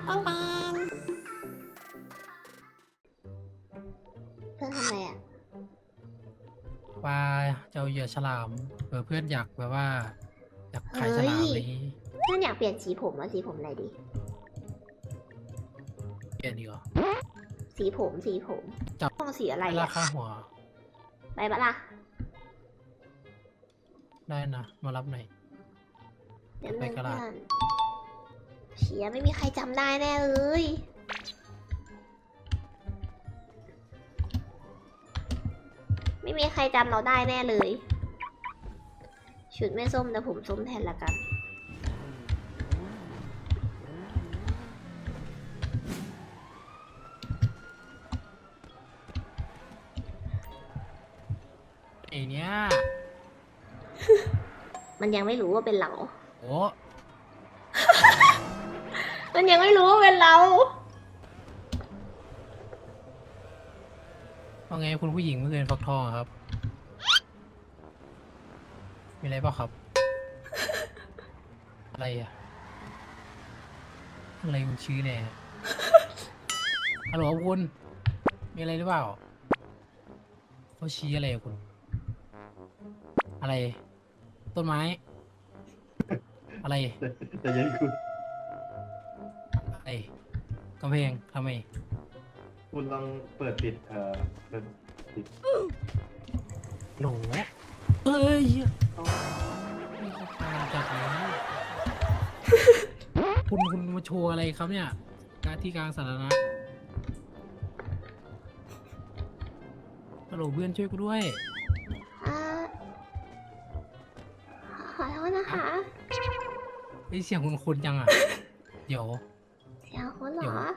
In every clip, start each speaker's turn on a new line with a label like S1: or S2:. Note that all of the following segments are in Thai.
S1: ปังปังเพื่อนทำอะไรอ่ะ
S2: ว่าจะเอาเหยื่อฉลามเพื่อนอยากแบบว่าอยากขายฉลามอะไรอย่างนี้
S1: เพื่อนอยากเปลี่ยนสีผมว่าสีผมอะไรดี
S2: เปลี่ยนดีกว่า
S1: สีผม
S2: จับ
S1: ต้องสีอะไร
S2: รา
S1: อ่ะ
S2: คาหัว
S1: ไปปะล่ะ
S2: ได้นะมารับหน่อย
S1: เดี๋ยว
S2: ไป
S1: เพื่
S2: กระดาษ
S1: อนเชียไม่มีใครจำได้แน่เลยไม่มีใครจำเราได้แน่เลยชุดไม่ส้มแต่ผมส้มแทนละกัน
S2: ไอเนี้ย
S1: มันยังไม่รู้ว่าเป็นเรา
S2: โอ้
S1: มันยังไม่รู้ว่าเป็นเรา
S2: ว่าไงคุณผู้หญิงเมื่อคืนฟักทองอะครับ มีอะไรเปล่าครับ อะไรอะอะไรคุณชื่อเนี่ยฮัลโหลคุณมีอะไรหรือเปล่าเขาชี้อะไรอะคุณ อะไร ต้นไม้ อะไร
S3: แต่ยังคุณ
S2: อะไรกำแพงทำไม
S3: คุณลองเปิดปิดเปิดปิด
S2: โหลเอ้ยนี่เขาพาจากไหนคุณมาโชว์อะไรครับเนี่ยการที่กลางสาธารณะฮัลโหลเพื่อนช่วยกูด้วย
S1: อ่าขอโทษนะคะ
S2: ไอเสียงคุณจังอ่ะ เดี๋ยว
S1: เสียงคนเหร
S2: เดี๋ยว
S1: อ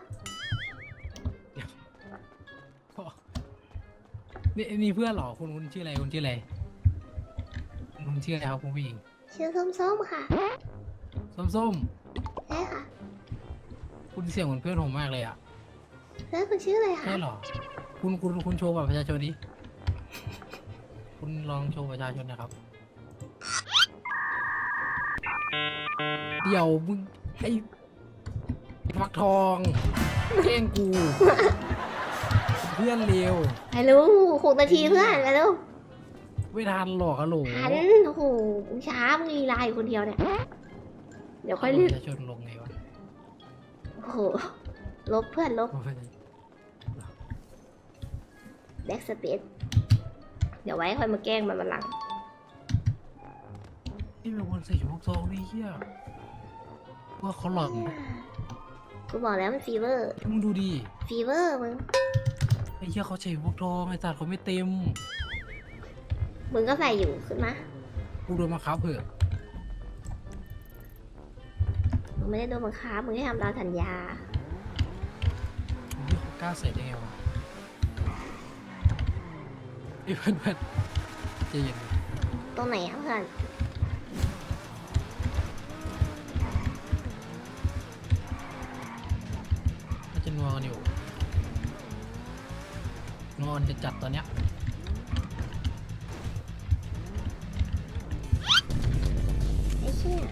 S2: นี่เพื่อนเหรอคุณชื่ออะไรคุณชื่ออะไรคุณชื่ออะไรครับคุณผู้หญิง
S1: ชื่อส้มๆค่ะ
S2: ส้ม
S1: ใช่ค่ะ
S2: ๆคุณเสียงเหมือนเพื่อนผมมากเลยอ่ะ
S1: เพื่อนคุณชื่ออะไรคะ
S2: ใช่เหรอคุณโชว์บัตรประชาชนดิคุณลองโชว์ประชาชนนะครับเดี๋ยวมึงไอ้ฟักทองแกล้งกู เพื่อนเร็ว
S1: ไปรู้6 นาทีเพื่อนไปเร็ว
S2: ไม่ทันหรอกอะโหล
S1: หันโอ้โหมึงช้ามึงลีลาอยู่คนเดียวเนี่ย เดี๋ยวค่อย
S2: บั
S1: รี
S2: ต
S1: บ
S2: รประชาชนลงไงวะ
S1: โอ้โห ลบเพื่อนลบแบ็กสเปซเดี๋ยวไว้ค่อยมาแกล้งมันวันหลัง
S2: นี่เป็นคนใส่ชุดพวกซองนี่เฮียว่าเขาหลอกนะ
S1: กูบอกแล้วมันฟีเวอร์
S2: มึงดูดิ
S1: ฟีเวอร์มึง
S2: ไอ้เฮียเขาใส่พวกทองไอ้สัตว์เขาไม่เต็ม
S1: มึงก็ใส่อยู่ขึ้นมา
S2: กูโดนมาคับเผื่อะ
S1: มึงไม่ได้โดนบังคับมึงให้ทำตามสัญญา
S2: เฮียเขากล้าใส่ได้ไงวะไอ้เพื่อนใจเย็น
S1: ตรงไหนอะเพื่อน
S2: มันจะนัวกันอยู่นอนจะจัดตอนเนี้ย
S1: ไอ้เชี่ย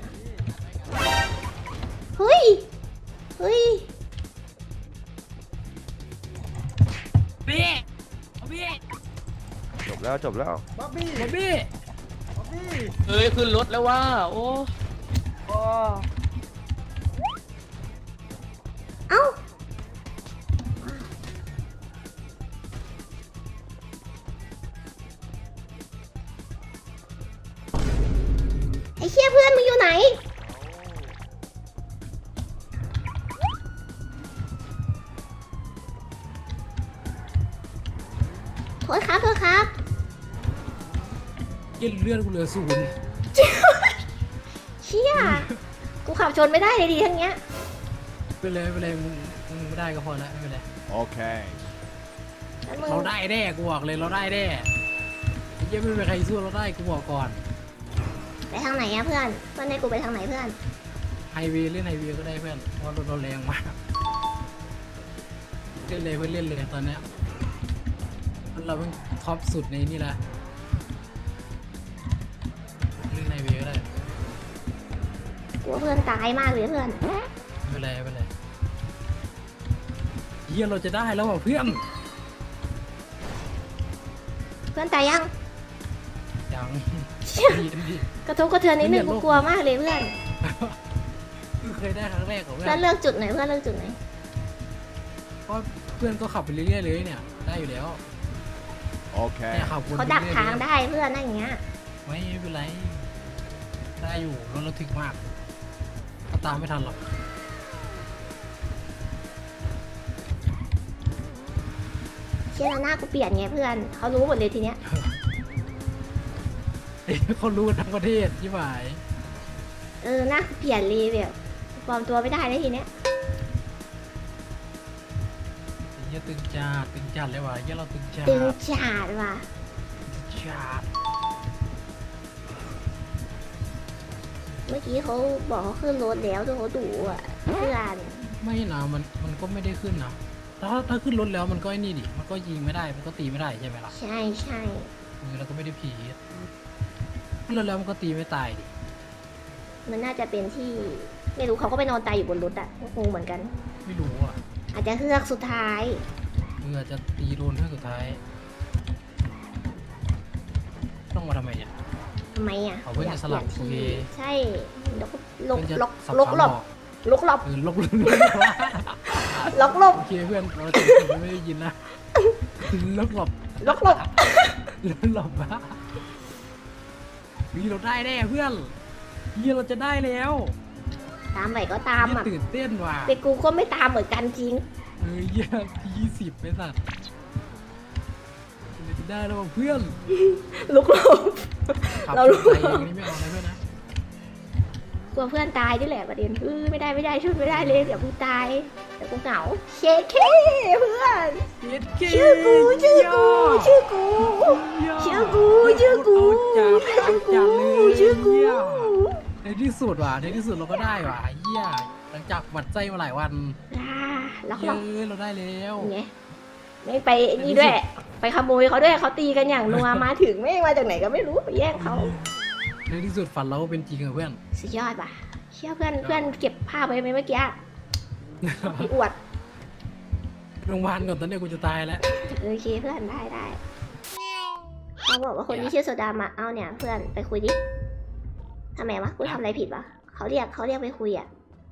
S1: เฮ้ย เฮ้ย
S2: บี้บี้
S4: จบแล้วจบแล้ว
S2: บ๊อบบี้
S5: เอ้ยขึ้นรถแล้วว่า โอ้
S1: เอ้า ไอ้เชี่ยเพื่อนมึงอยู่ไหน โทษครับ โทษครับ
S2: เย็นเลือดกูเหลือ0
S1: เชี่ย กูขับชนไม่ได้เลยดีทั้งเนี้ย
S2: ไปเลยมึงไม่ได้ก็พอแล้วไม่เป็นไร
S4: Okay.
S1: แล้วมึง
S2: เราได้แน่กูบอกเลยเราได้แน่ไอ้เหี้ยังไม่มีใครสู้เราได้กูบอกก่อน
S1: ไปทางไหนอะเพื่อน เพื่อนให้กูไปทางไหนเพื่อน
S2: ไฮเวย์เล่นไฮเวย์ก็ได้เพื่อนเพราะรถเราแรงมากเล่นเลยเพื่อนเล่นเลยตอนเนี้ยเราเป็นท็อปสุดในนี่แหละเล่นไฮเวย์ก็ได้
S1: กูว่าเพื่อนตายมากเลยเพื่อน
S2: ไม่เป็นไรเฮียเราจะได้แล้วว่ะเพื่อน
S1: เพื่อนตายยัง
S2: ยังดีดี
S1: กระทบกระเทือนนิดนึง
S2: เพื่
S1: กู
S2: อนโลก
S1: กลัวมากเลยเพื่อน
S2: เคยได้ครั้งแรกของ
S1: เพื่
S2: เพื่
S1: อ
S2: อน น
S1: เลือกจุดไหนเพื่อนเลือกจุดไหน
S2: เพราะเพื่อนก็ขับไปเรื่อยๆเลยเนี่ยได้อยู่แล้ว
S4: Okay.
S2: เนี่ยขับวน
S1: เขา
S2: ไป
S1: ดัก
S2: รื่อยๆ
S1: ทางได้เพื่อนนั่นอย่างเงี้ย
S2: ไม่เป็นไรได้อยู่รถเราถึกมากเขาตามไม่ทันหรอก
S1: เชี่ยแล้วหน้ากูเปลี่ยนไงเพื่อนเขารู้หมดเลยทีเนี้ย
S2: เขารู้กันทั้งประเทศยี่หมาย
S1: หน้ากูเปลี่ยนเลยแบบปลอมตัวไม่ได้เลยทีเนี้ย
S2: เฮียตึงจัดเลยว่ะเฮียเราตึงจัด
S1: ตึงจัดว่ะ
S2: จัด
S1: เมื่อกี้เขาบอกเขาขึ้นรถแล้วทุกเขาดูอ่ะเพื่อน
S2: ไม่นะมันก็ไม่ได้ขึ้นนะถ้าขึ้นรถแล้วมันก็ไอ้นี่ดิมันก็ยิงไม่ได้มันก็ตีไม่ได้ใช่ไหมล่ะ
S1: ใช่ใช่
S2: เราก็ไม่ได้ผีขึ้นรถแล้วมันก็ตีไม่ตายดิ
S1: มันน่าจะเป็นที่ไม่รู้เขาก็ไปนอนตายอยู่บนรถอ่ะงงเหมือนกัน
S2: ไม่รู้อ่ะ
S1: อาจจะเฮือกสุดท้าย
S2: อาจจะตีโดนเท่าสุดท้าย ต้องมาทำไมเนี่ย
S1: ทำไมอ่ะ
S2: เอาเพื่อนจะสลับ
S1: อยากเปลี่ยน
S2: โอเค
S1: ที่ใช่ลกลก
S2: เพื่อนจะ
S1: ลก
S2: สับ
S1: ลก
S2: ขา
S1: หลบ
S2: ออก
S1: ลกหลบ
S2: ลก
S1: ลกหลบ
S2: โอเคเพื่อนเราจะไม่ได้ยินนะลกหลบ
S1: ลกหลบ
S2: ลกหลบบ้าวีเราได้แน่เพื่อนวีเราจะได้แล้ว
S1: ตามไปก็ตามอ่ะ
S2: ตื่นเต้นว่ะ
S1: แต่กูก็ไม่ตามเหมือนกันจริง
S2: เยี่ย20ไปสัตว์เราจะได้แล้วว่ะเพื่อน
S1: ลุกหลบ
S2: ขับ
S1: เรารู้
S2: ไปอย่างนี้ไม่เอานะเพื่อนนะ
S1: กลัวเพื่อนตายนี่แหละประเด็นไม่ได้ช่วยไม่ได้เลยเดี๋ยวกูตายเดี๋ยวกูเหงาเชคเคเพื่อน
S2: เย็ดเก
S1: ชื่อกูชื่อกูชื่อกูชื่อกูชื่อกู
S2: เอาจัดเลย
S1: ชื่อกู
S2: เหี้ยในที่สุดว่ะในที่สุดเราก็ได้ว่ะเยี่ยหลังจากหวัดใจมาหลายวัน
S1: ล็อก
S2: เย
S1: ล็อก
S2: อะเราได้แล้ว
S1: ไงไม่ไปนี่ด้วย ไปขโมยเขาด้วยเขาตีกันอย่างนัวมาถึงไม่มาจากไหนก็ไม่รู้ไปแย่งเขา
S2: ในที่สุดฝันเราก็เป็นจริงอะเพื่อน
S1: สุดยอดป่ะเชื่อเพื่อนเก็บภาพไว้ไหมเมื่อกี้พี่อวด
S2: โรงพยาบาลก่อนตอนนี้กูจะตายแล้ว
S1: โอเคเพื่อนได้เขาบอกว่าคนที่ชื่อโซดามาเอาเนี่ย เพื่อนไปคุยดิทำไมวะกูทำอะไรผิดวะเขาเรียกไปคุยอ่ะ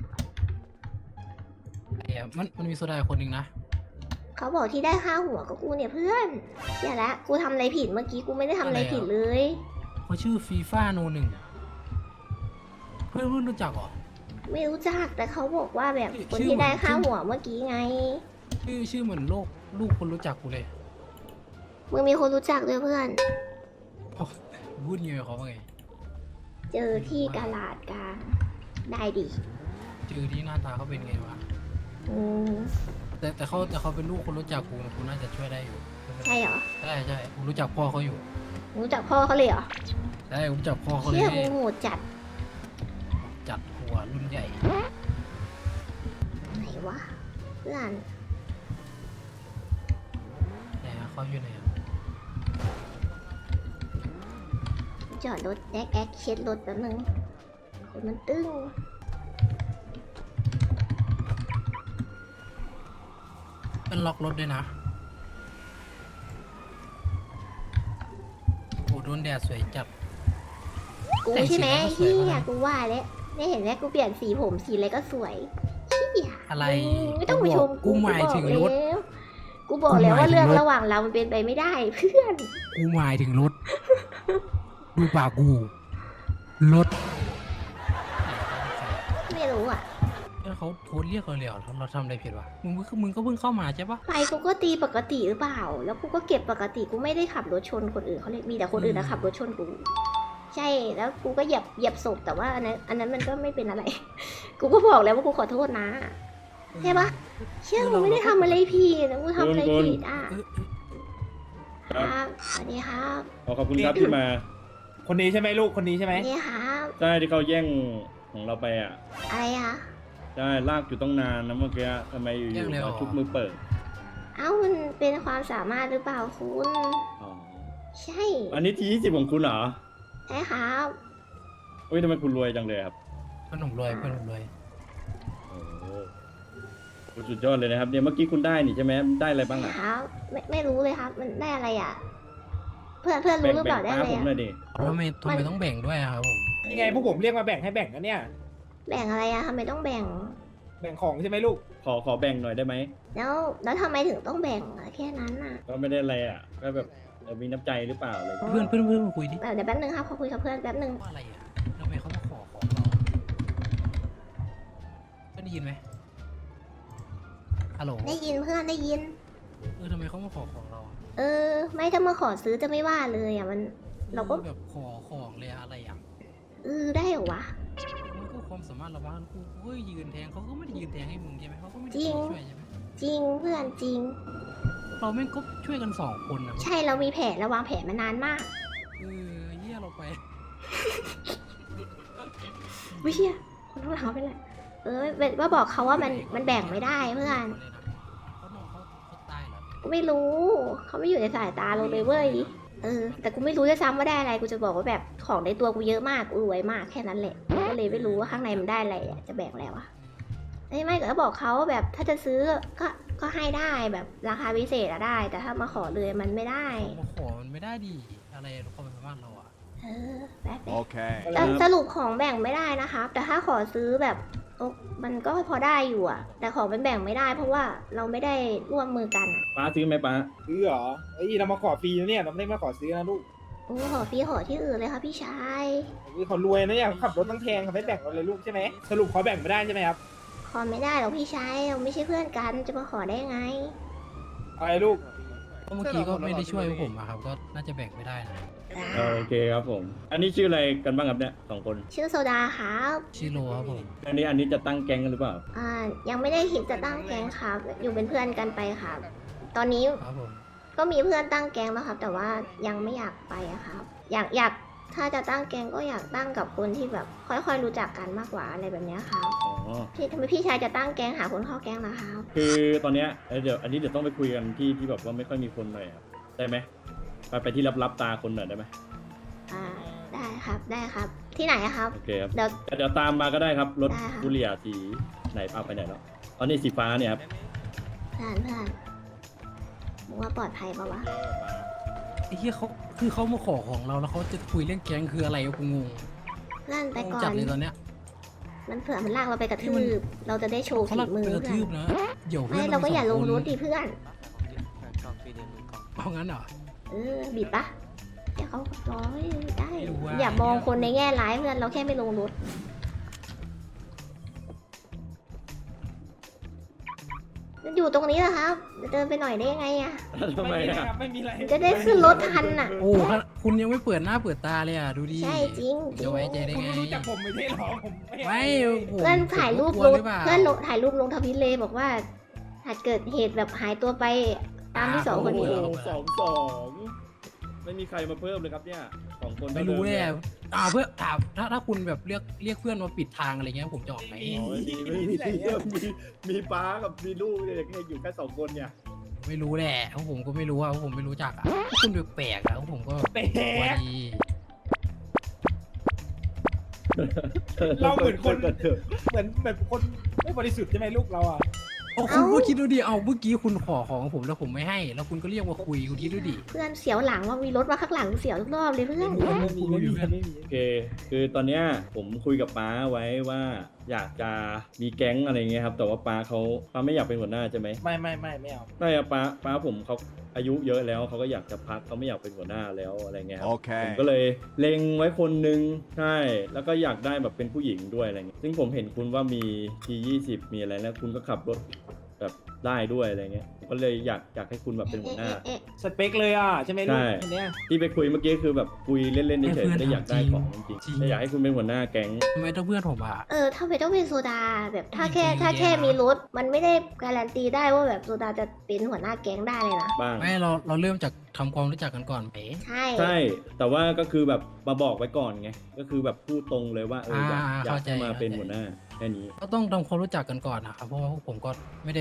S2: มันมีโซดาคนหนึ่งนะ
S1: เขาบอกที่ได้ค่าหัวกับกูเนี่ยเพื่อนเชี่ยละกูทำอะไรผิดเมื่อกี้กูไม่ได้ทำอะไรผิดเลย
S2: เขาชื่อฟีฟ่าโนหนึ่งเพื่อนรู้จักเหรอ
S1: ไม่รู้จักแต่เขาบอกว่าแบบ
S2: ชื่อ
S1: คนที่ได้ค่าหัวเมื่อกี้ไง
S2: ชื่อเหมือนลูกคนรู้จักกูเลย
S1: มึงมีคนรู้จักด้วยเพื่อน
S2: พูดเงี้ยเขาว่าไง
S1: เจอที่กาลาดกลางได้ดิ
S2: เจอที่หน้าตาเขาเป็นไงวะ
S1: อืม
S2: แต่เขาเป็นลูกคนรู้จักกูน่าจะช่วยได้อยู่
S1: ใช่เหรอ
S2: ใช่กูรู้จักพ่อเขาอยู่
S1: รู้จักพ่อเขาเลยเหรอ
S2: ใช่กูรู้จักพ่อเขาเล
S1: เชี่
S2: ย
S1: ยมึงโหดจัด
S2: จัดหัวรุ่นใหญ่
S1: ไหนวะเพื่อน
S2: ไหนอะเขาอยู่ไหนอะ
S1: จอดรถแอ๊กเช็ดรถแป๊บนึงคนมันตึ้ง
S2: เป็นล็อกรถด้วยนะโอ้โดนแดดสวยจัด
S1: กู
S2: แต่ง
S1: ใช่ไหม
S2: สีแล้วก็สวย
S1: ที่
S2: มาก
S1: กูว่าแล้วไม่เห็นแล้วกูเปลี่ยนสีผมสีอะไรก็สวยเหี้ย
S2: อะไร
S1: ไม่ต้องไปชม
S2: กูหมายถึงรถ
S1: กูบอกแล้วว่า
S2: กูหมายถึง
S1: เรื่อง
S2: รถ
S1: ระหว่างเรามันเป็นไปไม่ได้เพื่อน
S2: กูหมายถึงรถ ดูปากกู รถ
S1: ไม่รู้อ่ะ
S2: แล้วเขาโทรเรียกเราเลยเหรอเราทำอะไรผิดวะมึงก็เพิ่งเข้ามาใช่ปะ
S1: ไปกูก็ตีปกติหรือเปล่า แล้วกูก็เก็บปกติกูไม่ได้ขับรถชนคนอื่นเขาเลยมีแต่คนอื่นนะขับรถชนกู ใช่แล้วกูก็เหยียบศพแต่ว่าอันนั้นมันก็ไม่เป็นอะไร กูก็บอกแล้วว่ากูขอโทษนะใช่ปะเชื่อกูไม่ได้ทำอะไรผิดนะกูทำอะไรผิดอ่ะ ครับสวัสดีครับ
S6: ขอบคุณครับที่มา
S5: คนนี้ใช่ไหมลูกคนนี้ใช่ไหม
S1: สวัสดีครับ
S6: ใช่ที่เขาแย่งของเราไปอ่ะ
S1: อะไรอะ
S6: ใช่ลากอยู่ต้องนานนะเมื่อกี้ทำไมอยู่ๆมาชุบมือเปิด
S1: เอ้ามันเป็นความสามารถหรือเปล่าคุณ
S6: อ๋อ
S1: ใช่
S6: อันนี้ที20ของคุณเหรอ
S1: ใช่ครับ
S6: เฮ้ยทำไมคุณรวยจังเลยครับ
S2: เพื่อนผมรวย
S6: โอ้โหสุดยอดเลยนะครับเนี่ยเมื่อกี้คุณได้นี่ใช่ไหมได้อะไรบ้างอ่ะ
S1: ครับไม่รู้เลยครับ มันได้อะไรอ่ะ เพื่อนรู้หรือเปล่าได้
S6: ป้า
S1: อะไร
S6: ผม
S1: อ่ะ
S6: หน่อยดิ
S2: ทำไมต้องแบ่งด้วยอะครับผม
S5: ยังไงพวกผมเรียกมาแบ่งให้แบ่งกันเนี่ย
S1: แบ่งอะไรอ่ะทำไมต้องแบ่ง
S5: แบ่งของใช่ไหมลูก
S6: ขอแบ่งหน่อยได้ไหม
S1: แล้วทำไมถึงต้องแบ่งอะแค่นั้นอ่ะ
S6: ก็ไม่ได้อะไรอ่ะก็แบบมีน้ำใจหรือเปล่าอะไรอย่างเงี้ย
S2: เพื่อนมาคุยดิ
S1: เดี๋ยวแป๊บนึงครับขอคุยกับเพื่อนแป๊บนึง
S2: ว่าอะไรอะทำไมเขามาขอของเราก็ได้ยินไหมฮัลโหล
S1: ได้ยินเพื่อนได้ยิน
S2: ทำไมเขามาขอของเราอะ
S1: ไม่ถ้ามาขอซื้อจะไม่ว่าเลยอ่ะมันเราก็
S2: แบบขอของเลยอะอะไรอ่ะ
S1: ได้เหรอวะ
S2: มันก็ความสามารถเราบ้างกูก็ยืนแทงเขาก็ไม่ได้ยืนแทงให้มึงใช่ไหมเขาก็ไม่ได้
S1: จริง
S2: ช่วยใช่ไหม
S1: จริงเพื่อนจริง
S2: เราแม่งก็ช่วยกันสองคนนะ
S1: ใช่เรามีแผนเราวางแผนมานานมาก
S2: เฮียเราไป
S1: ไม่เชี่ยคนข้างหลังเขาเป็นไรว่าบอกเขาว่ามันแบ่งไม่ได้เพื่อน
S2: เขาน้องเขาตายเหรอ
S1: กูไม่รู้เขาไม่อยู่ในสายตาเราเลยเว้ยแต่กูไม่รู้ด้วยซ้ำว่าได้อะไรกูจะบอกว่าแบบของในตัวกูเยอะมากกูรวยมากแค่นั้นแหละก็เลยไม่รู้ว่าข้างในมันได้อะไรอะจะแบ่งแล้วอะไม่ก็บอกเขาว่าแบบถ้าจะซื้อก็ให้ได้แบบราคาพิเศษอะได้ แต่ถ้ามาขอเลยมันไม่ได้
S2: มาขอมันไม่ได้ดีอะไรความสามารถเราอะ
S1: แป๊บ
S4: Okay.
S1: แต่สรุปของแบ่งไม่ได้นะครับ แต่ถ้าขอซื้อแบบมันก็พอได้อยู่อะแต่ของมันแบ่งไม่ได้ เพราะว่าเราไม่ได้ร่วมมือกันอะ
S6: ป้าซื้อไหมป้า
S5: ซื้อเหรอเรามาขอฟรีนะเนี่ยเราไม่ได้มาขอซื้อนะลูก
S1: โอ้ขอฟรีขอที่อื่นเลยค่ะพี่ชาย
S5: เขารวยนะเนี่ยเขาขับรถตั้งแพงเขาไม่แบ่งเราเลยลูกใช่ไหมสรุปเขาแบ่งไม่ได้ใช่ไหมครับ
S1: ขอไม่ได้หรอกพี่ชายเราไม่ใช่เพื่อนกันจะมาขอได้ไง
S5: อะไรลูก
S2: เมื่อกี้ก็ไม่ได้ช่วยผมอะครับก็น่าจะแบ่งไม่ได้นะ
S6: โอเคครับผม อันนี้ชื่ออะไรกันบ้างครับเนี่ยสองคน
S1: ชื่อโซดาครับ
S2: ชิโร่ครับผม
S6: อันนี้จะตั้งแก๊งกันหรือเปล่า
S1: ยังไม่ได้คิดจะตั้งแก๊งครับ อยู่เป็นเพื่อนกันไปครับ ตอนนี้
S2: ครับผม
S1: ก็มีเพื่อนตั้งแก๊งแล้วครับ แต่ว่ายังไม่อยากไปอะครับ อยากถ้าจะตั้งแก๊งก็อยากตั้งกับคนที่แบบค่อยๆรู้จักกันมากกว่าอะไรแบบเนี้ยครับ
S6: อ๋อ
S1: ทำไมพี่ชายจะตั้งแก๊งหาคนเข้าแก๊งนะครับ
S6: คือตอนเนี้ยเดี๋ยวอันนี้เดี๋ยวต้องไปคุยกันที่แบบว่าไม่ค่อยมีคนหน่อยครับได้ไหมไปที่รับตาคนหน่อยได้ไหม
S1: ได้ครับได้ครับ ที่ไหนอะครับ
S6: โอเคครับ
S1: เดี๋ยว
S6: เดี๋ยวตามมาก็ได้ครับรถ
S1: ได้ค่ะ
S6: บุเรียสีไหนเอาไปไหนแล้วอ๋อนี่สีฟ้าเนี่ยครับ
S1: เพื่อนมึงว่าปลอดภัยปะวะ
S2: ไอ้เหี้ยเขาคือเขามาขอของเราแล้วเขาจะคุยเรื่องแก๊งคืออะไรวะกูงง
S1: เพื่อนไปก่อ
S2: จัด
S1: น
S2: เลยตอนเนี้ย
S1: มันเผื่อมันลากเราไปกระทืบเราจะได้โชว์
S2: เขา
S1: ฝี
S2: ลัก
S1: มือ
S2: ไปกระ
S1: เพื่อ
S2: ทื
S1: น
S2: บนะเดี๋ยว
S1: ไม่เราก็อย่าลงรถดิเพื่อน
S2: เอางั้นเหรอ
S1: บิดปะเดี๋ยวเขาร้อยได้
S2: ไม่รู้ว่า
S1: อย่ามองคนในแง่ร้ายเพื่อนเราแค่ไม่ลงรถอยู่ตรงนี้แหละครับจะเดินไปหน่อยได้ยังไงอะ
S6: ทำไม
S5: นะ
S6: อ่ะ
S5: ครับไม่มีอะไร
S1: จะได้ขึ้นรถทันอะ
S2: โอ้คุณยังไม่เปิดหน้าเปิดตาเลยอ่ะดูดิ
S1: ใช่จริงจริ
S2: เดี๋ยว
S1: ง
S2: ไว้ใจได้
S5: คุณ
S2: ไง
S5: รู้จักผมไม่ใช่หรอผมไม่
S2: ไม่ผม
S1: เพื่อนถ่ายรูป
S2: ผม
S1: ล
S2: กลัว
S1: ง
S2: หรือเปล่า
S1: เพื่อนลงถ่ายรูปลงทวิตเลยบอกว่าหากเกิดเหตุแบบหายตัวไปตามที่สองคนนี้
S6: โอ้โห2-2ไม่มีใครมาเพิ่มเลยครับเนี่ยสองคน
S2: ไม่รู้เลยอะเพื่อถามถ้าคุณแบบเรียกเพื่อนมาปิดทางอะไรเงี้ยผมจะออกไหม
S6: อ๋อไม่มีมีป้ากับมีลูกเนี่ยแค่อยู่แค่สองคนเนี่ย
S2: ไม่รู้แหละเพราะผมก็ไม่รู้ว่าผมไม่รู้จักอ่ะพวกคุณแปลกๆอ่ะผมก็
S5: แปล
S2: กลัว
S5: ก
S2: ดี
S5: เราเหมือนคน
S6: เถอะ
S5: เหมือนคนไม่บริสุทธิ์ใช่ไหมลูกเราอ่ะ
S2: เอาคุณก็คิดดูดิเอาเมื่อกี้คุณขอของผมแล้วผมไม่ให้ แล้วคุณก็เรียกมาคุยคุณคิดดูดิ
S1: เพื่อนเสียวหลังว่ามีรถมาข้างหลังเสียวทุกรอบเลยเพื่อน
S5: ไม่มี
S6: โอเค คือตอนเนี้ยผมคุยกับป้าไว้ว่าอยากจะมีแก๊งอะไรเงี้ยครับ แต่ว่าป้าไม่อยากเป็นหัวหน้าใช่ไหม
S5: ไม่เอา
S6: ไม่อะป้าผมเขาอายุเยอะแล้วเขาก็อยากจะพักเขาไม่อยากเป็นหัวหน้าแล้วอะไรเงี้ยครับ
S4: Okay.
S6: ผมก็เลยเล็งไว้คนนึงใช่ แล้วก็อยากได้แบบเป็นผู้หญิงด้วยอะไรเงี้ยซึ่งผมเห็นคุณว่ามี T20 มีอะไรแล้วคุณก็ขับรถแบบได้ด้วยอะไรเงี้ยผมก็เลยอยากให้คุณแบบเป็นหัวหน้า
S5: สเปคเลยอ่ะใช่ไหมลูกอันเนี้ย
S6: ที่ไปคุยเมื่อกี้คือแบบคุยเล่นๆเฉยๆไม่ได้อยากได้ของจริงๆแต่อยากให้คุณเป็นหัวหน้าแก๊ง
S2: ทำไมต้องเพื่อนผมอ่ะ
S1: ทำไมต้องเป็นโซดาแบบถ้า
S2: จริงๆ
S1: แค่
S2: อะ
S1: มีรถมันไม่ได้การันตีได้ว่าแบบโซดาจะเป็นหัวหน้าแก๊งได้เลยนะ
S6: บ้าง
S2: ไม่เราเริ่มจากทำความรู้จักกันก่อนไหม
S1: ใช่
S6: ใช่ แต่ว่าก็คือแบบมาบอกไว้ก่อนไง ก็คือแบบพูดตรงเลยว่าอยากให้มาเป็นหัวหน้าแค่นี้
S2: ก็ต้องทำความรู้จักกันก่อนนะครับเพราะว่าพวกผมก็ไม่ได้ไว้ใจใคร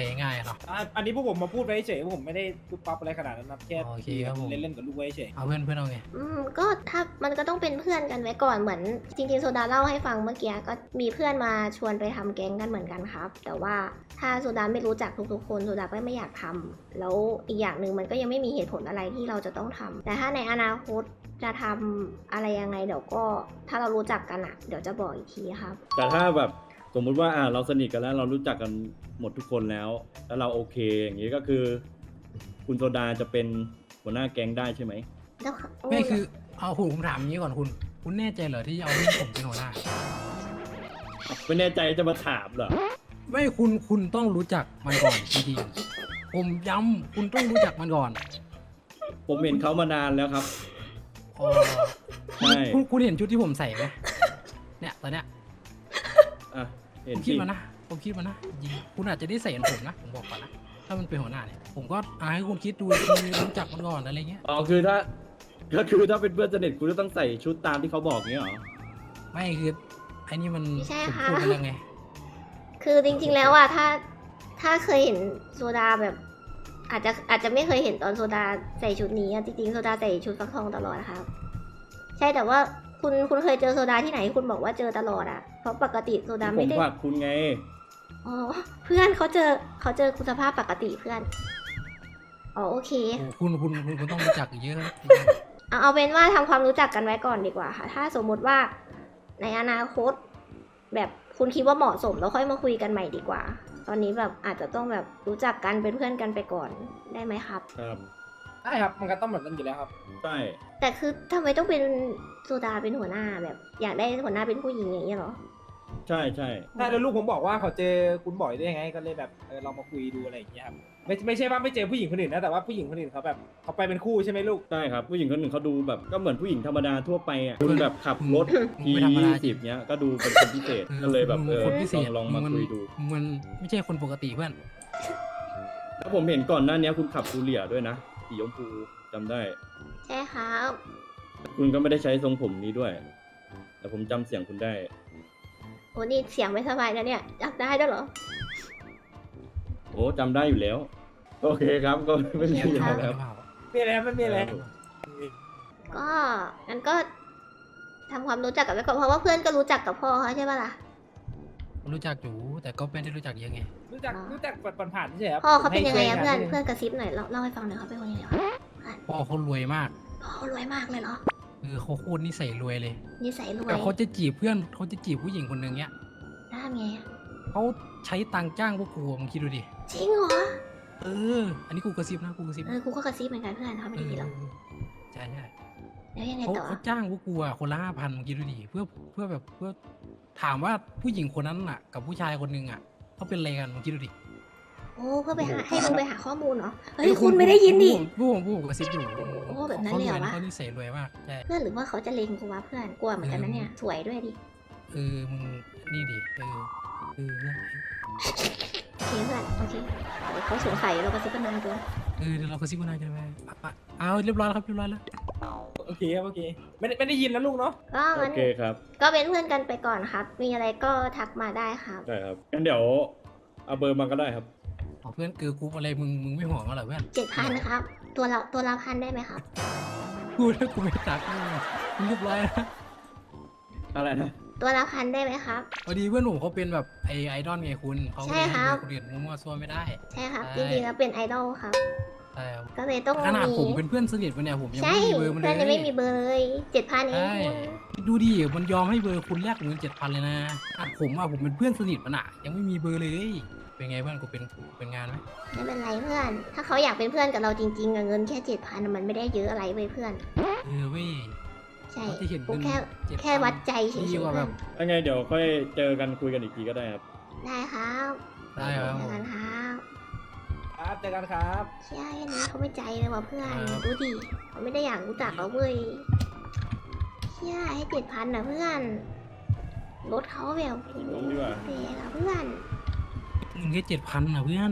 S2: ง่ายๆเนาะ
S5: อันนี้พวกผมมาพูดไว้เฉยผมไม่ได้ปุ๊บปั๊บอะไรขนาดนั้นนะแค่
S2: โอเคครับผม
S5: เล่นๆกับลูกไว้เฉย
S2: เอาเพื่อนเอาไง
S1: ก็ถ้ามันก็ต้องเป็นเพื่อนกันไว้ก่อนเหมือนจริงๆโซดาเล่าให้ฟังเมื่อกี้ก็มีเพื่อนมาชวนไปทำแก๊งกันเหมือนกันครับ แต่ว่าถ้าโซดาไม่รู้จักทุกๆคนโซดาก็ไม่อยากทำแล้วอีกอย่างหนึ่งมันก็ยังไม่มีเหตุผลอะไรที่เราจะต้องทำแต่ถ้าในอนาคตจะทำอะไรยังไงเดี๋ยวก็ถ้าเรารู้จักกันเดี๋ยวจะบอกอีกทีครับ
S6: แต่ถ้าแบบสมมุติว่าเราสนิทกันแล้วเรารู้จักกันหมดทุกคนแล้วเราโอเคอย่างนี้ก็คือ คุณโซดาจะเป็นหัวหน้าแก๊งได้ใช่ไหม
S1: แล้ว
S2: ไม่คือเอาผมถามอย่างนี้ก่อนคุณแน่ใจเหรอที่จะเอาเรื่องผมเป็นหัวหน้า
S6: ไม่แน่ใจจะมาถามเหรอ
S2: ไม่คุณต้องรู้จักมันก่อนจริงๆผมย้ำคุณต้องรู้จักมันก่อน
S6: ผมเห็นเขามานานแล้วครับ
S2: อ๋อ
S6: ใช่
S2: คุณเห็นชุดที่ผมใส่ไหมเนี่ยตอนเนี้ย
S6: อ่ะเห็
S2: ผ
S6: น
S2: มคิด
S6: ที่
S2: มานะผมคิดมานะจริงๆคุณอาจจะได้ใส่เหมือนผมนะผมบอกก่อนนะถ้ามันเป็นหัวหน้าเนี่ยผมก็ให้คุณคิดดูคือรู้จักมันก่อนอะไรเงี้ย
S6: อ๋อคือถ้าเป็นเพื่อนสนิทคุณจะต้องใส่ชุดตามที่เขาบอกเงี้ยเหรอ
S2: ไม่คือไอ้นี่มัน
S1: ไม่ใช่
S2: ผม
S1: ค่ะ
S2: พูดไปแล้วไง
S1: คือจริงๆแล้วถ้าเคยเห็นโซดาแบบ อาจจะไม่เคยเห็นตอนโซดาใส่ชุดนี้จริงๆโซดาใส่ชุดฟักทองตลอดครับ ใช่แต่ว่าคุณเคยเจอโซดาที่ไหนคุณบอกว่าเจอตลอดเพราะปกติโซดา
S6: ผ
S1: ไม่
S6: ม
S1: ได้
S6: ฝากคุณไง
S1: อ๋อเพื่อนเขาเจอคุณสภาพปกติเพื่อนอ๋อโอเค
S2: โอ้คุณต้องรู้จักเยอะนะ
S1: เอาเป็นว่าทำความรู้จักกันไว้ก่อนดีกว่าค่ะ ถ้าสมมุติว่าในอนาคต แบบคุณคิดว่าเหมาะสมแล้วค่อยมาคุยกันใหม่ดีกว่า ตอนนี้แบบอาจจะต้องแบบรู้จักกันเป็นเพื่อนกันไปก่อนได้ไหมครับ
S6: ครับ
S5: ใช่ครับมันก็ต้องแบบนั้นอยู่แล้วครับ
S6: ใช่
S1: แต่คือทำไมต้องเป็นโซดาเป็นหัวหน้าแบบ อยากได้หัวหน้าเป็นผู้หญิงอย่างนี้ยเหรอ
S6: ใช่ใช่
S5: ถ้าแล้วลูกผมบอกว่าเขาเจอคุณบ่อยได้ยังไงก็เลยแบบเรามาคุยดูอะไรอย่างเงี้ยครับไม่ใช่ว่าไม่เจอผู้หญิงคนอื่นนะแต่ว่าผู้หญิงคนอื่นเขาแบบเขาไปเป็นคู่ใช่ไหมลูก
S6: ใช่ครับผู้หญิงคนหนึ่งเขาดูแบบก็เหมือนผู้หญิงธรรมดาทั่วไปคุณแบบขับรถ ที
S2: ไม่ธรรมดาจริง
S6: 20เนี้ยก็ดูเป็นคนพิเศษก็เลยแบบ
S2: คนพิเศษ
S6: ลองมาคุยดู
S2: มันไม่ใช่คนปกติเพื่อน
S6: แล้วผมเห็นก่อนหน้านี้คุณขับซูเลียด้วยนะสีชมพูจำได้
S1: ใช่ครับ
S6: คุณก็ไม่ได้ใช้ทรงผมนี้ด้วย แต่ผมจำเสียงคุณได้
S1: โอ้นี่เสียงไม่สบายนะเนี่ยจับได้ด้วยเหรอ
S6: โอ้จำได้อยู่แล้ว โอเคครับก็ไม่มีอะไรแล้ว
S5: มีอะไรไม่มีอะไร
S1: ก็งั้นก็ทำความรู้จักกันไว้ก่อนเพราะว่าเพื่อนก็รู้จักกับพ่อเขาใช่ปะล่ะ
S2: รู้จักอยู่แต่ก็ไม่ได้รู้จักเยอะไง
S5: รู้จักผ่านๆใช่ไหมครับ
S1: พ่อเขาเป็นยังไงอะ
S5: ให้
S1: เพื่อน
S5: ช่วยงา
S1: เพื่อนกระซิบหน่อยเล่าให้ฟังหน่อยเขาเป็นคนยังไงวะ
S2: พ่อเขารวยมาก
S1: พ่อเขารวยมากเลยเหรอ
S2: คือเขาโคตรนิสัยรวยเลย
S1: นิสัยรวย
S2: แต่เขาจะจีบเพื่อนเขาจะจีบผู้หญิงคนหนึ่งเนี้ย
S1: น่าไงอะ
S2: เขาใช้ตังค์จ้างพวกกูมึงคิดดูดิ
S1: จริงเหรอ
S2: อันนี้กูกระซิบนะกูกระซิบ
S1: กูก็กระซิบเหมือนกันเพื่อนเขาไม่ได้ยินหรอก
S2: ใช่
S1: แล้วยังไง
S2: เขา
S1: ต่อ
S2: เขาจ้างพวกกูอะคนละ5,000มึงคิดดูดิเพื่อแบบเพื่อถามว่าผู้หญิงคนนั้นอะกับผู้ชายคนหนึ่งอะเขาเป็นอะไรกันมึงคิดดูดิ
S1: โอ้เพื่อไปหาให้มึงไปหาข้อมูลเหรอเฮ้ยคุณไม่ได้ยินดิ
S2: ผู้ผมกระซิบอยู่
S1: โอ้แบบนั้นเลยเหรอวะ
S2: เขานิสัยรวยมากใช่
S1: เพื่อนหรือว่าเขาจะเลงกูวะเพื่อนกลัวเหมือนกันนะเนี่ยสวยด้วยดิ
S2: มึงนี่ดิเนี่ย
S1: โอเคเพื่อนโอเคเดี๋ยวเขาสงสัยเรากระซิบกันนานเกิน
S2: เดี๋ยวเรากระซิบกันหน่อยกันไหมเอาเรียบร้อยแล้วครับเรียบร้อยแล้ว
S5: โอเคครับโอเคไม่ได้ยินแล้วลูกเนาะ
S1: ก็
S6: โอ
S1: งั้น
S6: เคครับ
S1: ก็เป็นเพื่อนกันไปก่อนครับ มีอะไรก็ทักมาได้ครับ
S6: ได้ครับงั้นเดี๋ยวเอาเบอร์มาก็ได้ครับ
S2: เพื่อนเกิร์ลกรุ๊ปอะไรมึงไม่ห่วงเหรอเพื่อน
S1: 7,000ครับ ตัวละพันได้ไหมครับ
S2: กูถ้ากูไม่ตักมึงเรียบร้อยแล้ว
S6: อะไรนะ
S1: ตัวละพันได้ไหมครับ
S2: พอดีเพื่อนผมเขาเป็นแบบไอดอลไงคุณเขา
S1: ใช่ครับ
S2: คนอื่นมั่วซั่วไม่ได้
S1: ใช่ครับ
S2: ใช่
S1: จริงๆแล้วเป็นไอดอลครับ
S2: ใช่ครับ
S1: ก็เลยต้อง
S2: ขนาด
S1: มี
S2: ผมเป็นเพื่อนสนิทมันเนี่ยผมยัง
S1: ใช่
S2: ไม่มีเบอร์มันเล
S1: เพื่อนยังไม่มี
S2: ย
S1: เบอร์เลย7,000เอง
S2: ใช่ดูดิมันยอมให้เบอร์คุณแลกเงิน7,000เลยนะผมเป็นเพื่อนสนิทมันอะยังไม่มีเบอร์เลย เป็นไงเพื่อนกูเป็นงานไหม
S1: ไม่เป็นไรเพื่อน ถ้าเขาอยากเป็นเพื่อนกับเราจริงๆอะเงินแค่7,000มันไม่ได้เยอะอะไรเว้ยเพื่อน
S2: เว้ย
S1: ใช่
S2: เขาจะเห็น
S1: กู
S2: เงิน
S1: แค่
S2: 7,000
S1: วัดใจเฉย
S2: ดี
S1: ๆ
S2: กว่า
S1: เพื่
S2: แบ
S1: อน
S2: บ
S6: ยังไงเดี๋ยวค่อยเจอกันคุยกันอีกทีก็ได้ครับ
S1: ได้ครับ
S2: ได้ครับ
S1: เจอกันครับ
S5: ครับเจอกันครับ
S1: เชี่ยแค่นี้เขาไม่ใจเลยว่ะเพื่อน
S2: ครับ
S1: ดูดิเขาไม่ได้อยากรู้จักเราเว้ยเชี่ยให้7,000นะเพื่อนรถเขาแบบ
S6: ลงดีกว่า
S1: เปย์อะเพื่อน
S2: เงินแค่7,000นะเพื่อน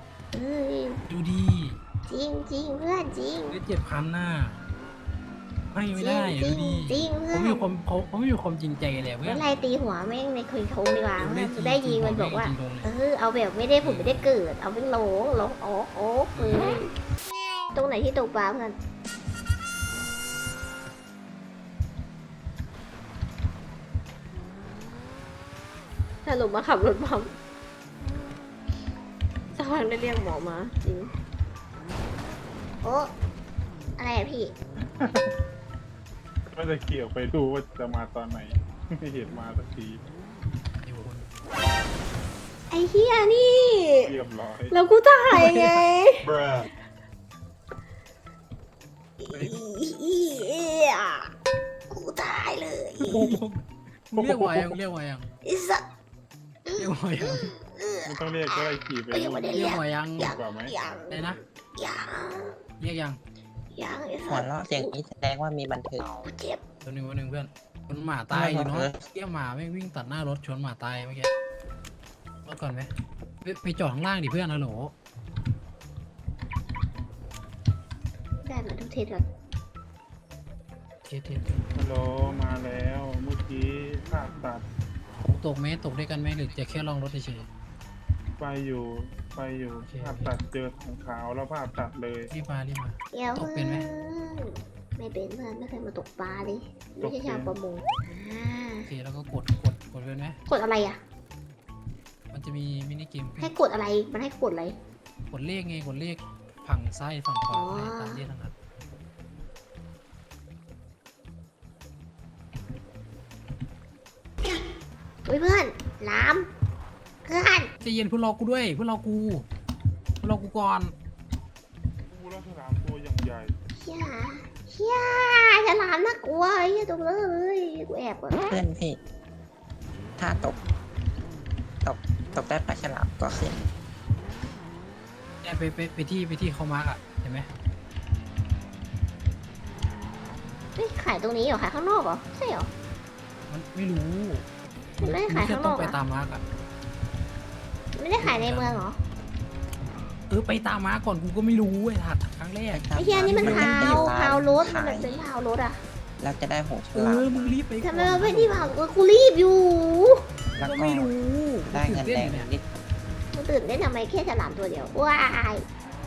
S1: เอ้ย
S2: ดูดี
S1: จริงเพื่อนจริง
S2: แค่7,000น่ะไม่ได้
S1: จริ
S2: ดู
S1: ง
S2: ดิ
S1: จริง
S2: ผม
S1: เพื่
S2: มี
S1: อน
S2: ความผมมีความจริงใจเลยเพื่
S1: เมื่
S2: อน
S1: อไรตีหัวแม่งในคืนทงดีกว่า
S2: เดี๋ยว
S1: เพื่อน
S2: ได้
S1: ได้ยิงมันบอกว่า
S2: จริงๆเลย
S1: เอาแบบไม่ได้ผุดไม่ได้เกิด เอาเป็นโหลโอ๊กเลยตรงไหนที่ตกปลาเพื่อนสรุปมาขับรถบัมสักพักได้เรียกหมอมาจริงโอ้อะไรอะพี่
S7: ไม่ได้เกี่ยวไปดูว่าจะมาตอนไหน ไม่เห็นมาสักที
S2: อยู่คน
S1: ไอ้เฮียนี่
S7: เรียบร้อย
S1: แล้วกูถ่ายไง
S3: bruh กูตายเลย
S2: มึงเรียกว่ายังเรียกว่ายัง
S1: ไอ้สัส
S2: เรียกว่ายัง
S7: ไม่ต้องเรียกก็ได้ขี่ไป
S1: ก็ยังไม่ได้
S2: เรี
S1: เรี
S2: ย
S1: ย
S2: ก
S1: ก
S2: ว่ายัง
S7: ดีกว่าไหม
S1: ยัง
S2: อะไรนะ
S1: ยัง
S2: เรียกยัง
S1: ยังไอ้
S8: หั
S1: สั
S8: ว
S1: ส
S8: เราะเสียงนี้แสดงว่ามีบันเทิง
S1: กูเจ็บ
S2: ตัวหนึ่งวันหนึ่งเพื่อนมันหมาตายอยู่เนาะ
S8: เออ
S2: เที่ยหมาไม่งวิ่งตัดหน้ารถชนหมาตายเมื่อกี้รถก่อนไหมไปจอดข้างล่างดิเพื่อนนะโหล
S1: ได้มาทุกเทศก่อน
S2: เทีย
S7: ฮัลโหลมาแล้วเมื่อกี้ภาพตัด
S2: ตกไหมตกด้วยกันไหมหรือจะแค่ลองรถเฉย
S7: ไปอยู่
S2: โอเค
S7: ภาพตัดเจอถังขาวแล้วภาพตัดเลย
S2: ๆรีบมา
S1: เดี๋ยว
S2: ตกเป็นไหม
S1: ไม่เป็นเพื่อนไม่เคยมาตกปลาเลยไม่ใช่ชาวประมงอ่า
S2: โอเคแล้วก็กดเพื่อนไหม
S1: กดอะไรอ่ะ
S2: มันจะมีมินิเกม
S1: ให้กดอะไรมันให้กดอะไร
S2: กดเลขไงกดเลขฝั่งซ้ายฝั่งขวา
S1: อ๋อ
S2: ตามเลขทั้งนั้น
S1: อุ้ยเพื่อนล้ามเพื่อน
S2: ใจเย็นเพื่อนรอกูด้วยเพื่อนรอกูก่อน
S7: กูแล้วฉลามตัวอย่างใหญ่
S1: เฮียฉลามน่ากลัวไอ้เฮียตรงเลยกูแอบก่อน
S8: เพื่อนพี่ ถ้าตกได้ปลาฉลามก็ขึ้น
S2: เนี่ยไปที่เขามาร์กอ่ะเห็นไหม
S1: เฮ้ยขายตรงนี้เหรอขายข้างนอกเหรอใช่เหรอ
S2: มันไม่รู้
S1: มันไม่ได้ขายข้างนอก
S2: แค่ต้องไป
S1: อะ
S2: ตามมาร์กอ่ะ
S1: ไม่ได้ขายในเมืองเหรอ
S2: ไปตามมาร์กก่อนกูก็ไม่รู้ไอ้ถัดครั้งแรก
S1: ไอ้เฮียนี่มันพาว
S8: จะ
S1: พาวรถมัน
S8: ขาย
S1: เป็นพาวรถอ่ะ
S8: แล้วจะได้หูฉลาม
S2: มึงรีบไปก่อน
S1: ทำไมเราไม่ที่พาวกูรีบอยู่
S8: แล้ว
S2: ก็
S8: ก็
S2: ไม่รู้
S8: ได้เงินแดง
S2: เนี่ย
S8: นิด
S1: กูตื่นได้นทำไมแค่ฉลามตัวเดียวว้าย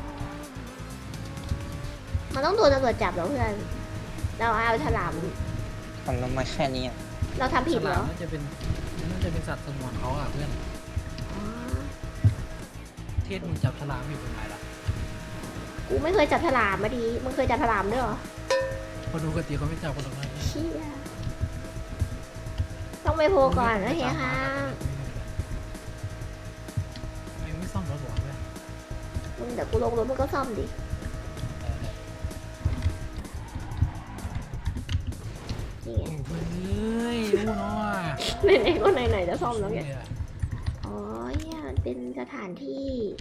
S1: มันต้องโดนตำรวจจับเหรอเพื่อนเราเอาฉลาม
S8: ผมลงมาแค่นี้อะ
S1: เราทำผิดเหร
S2: ฉลาม
S1: อ
S2: น่าจะเป็นสัตว์สงวนเขาอ่ะเพื่อน
S1: อ๋อ
S2: เทศมึงจับฉลามอยู่เป็นไงล่ะ
S1: กูไม่เคยจับฉลามมาดีมึงเคยจับฉลามด้วยเหรอ
S2: พอดูกติเขาไม่จับคนหรอกนะ
S1: เชี่ยต้องไปโพลก่อนนะเฮียค่ะ
S2: ไม่ซ่อมรถหรอเพื่อน
S1: มึงเดี๋ยวกูลงรถมึงก็ซ่อมดินี่ไง
S2: เฮ้ยรู้เนาะ
S1: ไหนๆก็ไหนๆจะซ่อมแล้วไงอ๋อเนี่ยมันเป็นสถานที่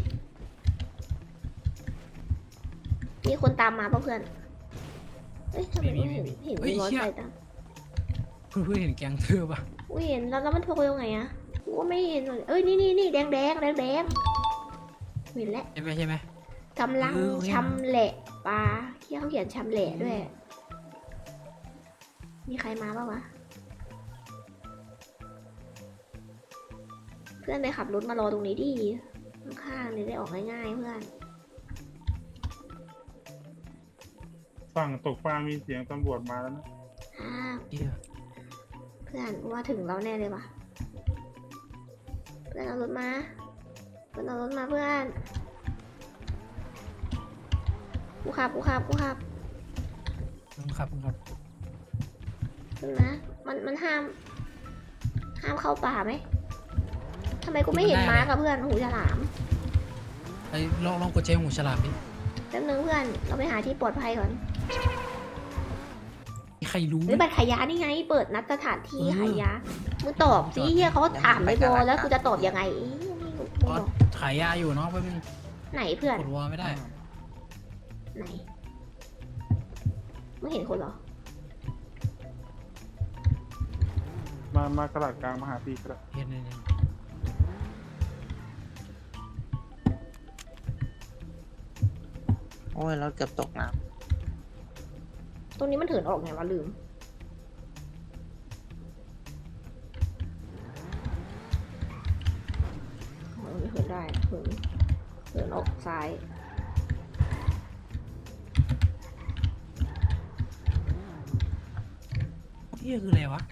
S1: มีคนตามมาป่ะเพื่อนเอ้ยทำไมกูเห็นมีมอเตอร์ไซค์ตาม
S2: เพื่อนเห็นแกงเธอปะ
S1: กูเห็นแล้วมันโทรยังไงอะกูก็ไม่เห็นเลยเอ้ยนี่แดงเห็นแล้ว
S2: ใช่ไหม
S1: กำลัง
S2: เออ
S1: ชำแหละปลาที่เขาเขียนชำแหละด้วย มีใครมาบ้างวะเพื่อนไปขับรถมารอตรงนี้ดิข้างๆเลยได้ออกง่ายๆเพื่อน
S7: ฝั่งตกปลามีเสียงตำรวจมาแล้วนะ
S1: อ่า
S2: เหี้ย
S1: เพื่อนกูว่าถึงแล้วแน่เลยว่ะเพื่อนเอารถมาเพื่อนเอารถมาเพื่อนกูขับ
S2: มึงครับ
S1: เห็นไหมมันห้ามเข้าป่าไหมทำไมกูไม่เห็นม้ากับเพื่อนหูฉลาม
S2: ไอ้ลองกดใช้หูฉลามดิ
S1: แป๊บนึงเพื่อนเราไปหาที่ปลอดภัยก่อน
S2: ใครรู้
S1: หรือบัตรขายยานี่ไง เปิดนัดสถานที่ขายยามึงตอบสิเฮียเขาถามไม่พอแล้วกูจะตอบยังไงนี่มึง
S2: อ๋อ
S1: บอก
S2: ขายยาอยู่เนาะแป๊บนึง
S1: ไหนเพื่อน
S2: กดวอลไม่ได้
S1: ไหนไม่เห็นคนเหรอ
S7: มากระดาษกลางมาหาพี่กระดาษ
S2: เห็น
S8: โอ้ยรถเกือบตกน้
S1: ตรงนี้มันเถินออกไงวะลืมตรงนี้เถินได้เถินออกซ้าย
S2: นี่คืออะไรวะ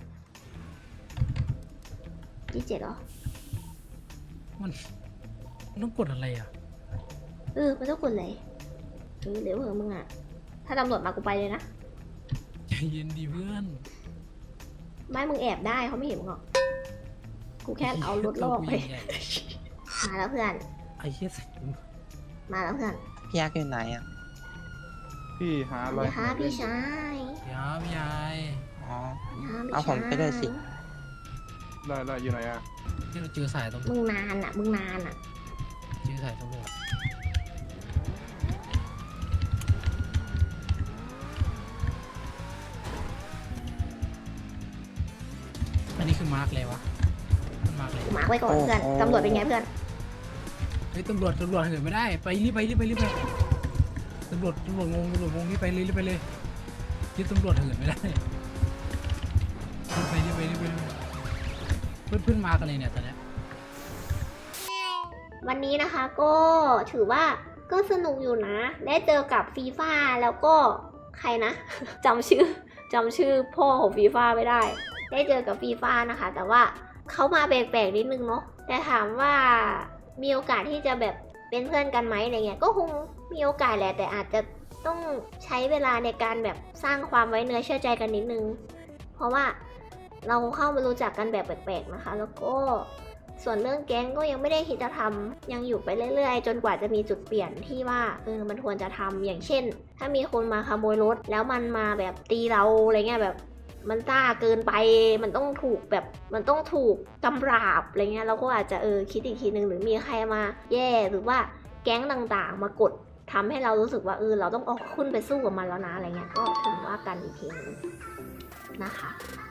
S1: 27เหรอ
S2: มันต้องกดอะไรอ่ะ
S1: มันต้องกดเลยเดี๋ยวมึงอ่ะ ถ้าตำรวจมากูไปเลยนะ
S2: ใจเย็นดีเพื่อน
S1: ไม่มึงแอบได้เขาไม่เห็นมึงหรอก กูแค่เอารถลอกไป มาแล้วเพื่อน
S2: ไอ้เหี้ยใส่
S1: มาแล้วเพื่อน
S8: พี่ยักษ์อยู่ไหนอ่ะ
S7: พี่หาอะไร
S1: เดี๋ยวฮะพี่ชาย
S2: ยาวยาย
S8: อ๋อ
S1: เดี๋ยวฮะพี่
S8: เอาผมไปด้วยสิ
S7: ได้อยู่ไหนอ่ะ
S2: ที่เราเจอสายตำรวจ
S1: มึงนานอ่ะ
S2: เจอสายตำรวจอันนี้คือมาร์กเลยวะมันมาร์กเลย
S1: กูมาร์คไว้ก่อนเพื่อน
S8: โอ้โห
S1: ตำรวจเป็นไงเพื่อน
S2: เฮ้ยตำรวจเหินไม่ได้ไปรีบไปตำรวจงงรีบไปเลยที่ตำรวจเหินไม่ได้รีบไปเพื่อนมากันเลยเนี่ยตอนเนี้ย
S1: วันนี้นะคะก็ถือว่าก็สนุกอยู่นะ ได้เจอกับฟีฟ่าแล้วก็ใครนะ จำชื่อพ่อของฟีฟ่าไม่ได้ ได้เจอกับฟีฟ่านะคะ แต่ว่าเขามาแปลกๆนิดนึงเนาะแต่ถามว่ามีโอกาสที่จะแบบเป็นเพื่อนกันไหมอะไรเงี้ยก็คงมีโอกาสแหละแต่อาจจะต้องใช้เวลาในการแบบสร้างความไว้เนื้อเชื่อใจกันนิดนึง เพราะว่าเราเข้ามารู้จักกันแบบแปลกๆนะคะ แล้วก็ส่วนเรื่องแก๊งก็ยังไม่ได้คิดจะทำยังอยู่ไปเรื่อยๆ จนกว่าจะมีจุดเปลี่ยนที่ว่ามันควรจะทำอย่างเช่น ถ้ามีคนมาขโมยรถแล้วมันมาแบบตีเราอะไรเงี้ยแบบมันซ่าเกินไปมันต้องถูกแบบมันต้องถูกกำราบอะไรเงี้ยเราก็อาจจะคิดอีกทีนึงหรือมีใครมาแย่หรือว่าแก๊งต่างๆ มากดทำให้เรารู้สึกว่าเราต้องออกขึ้นไปสู้กับมันแล้วนะอะไรเงี้ยก็ถึงว่ากันอีกทีนึงนะคะ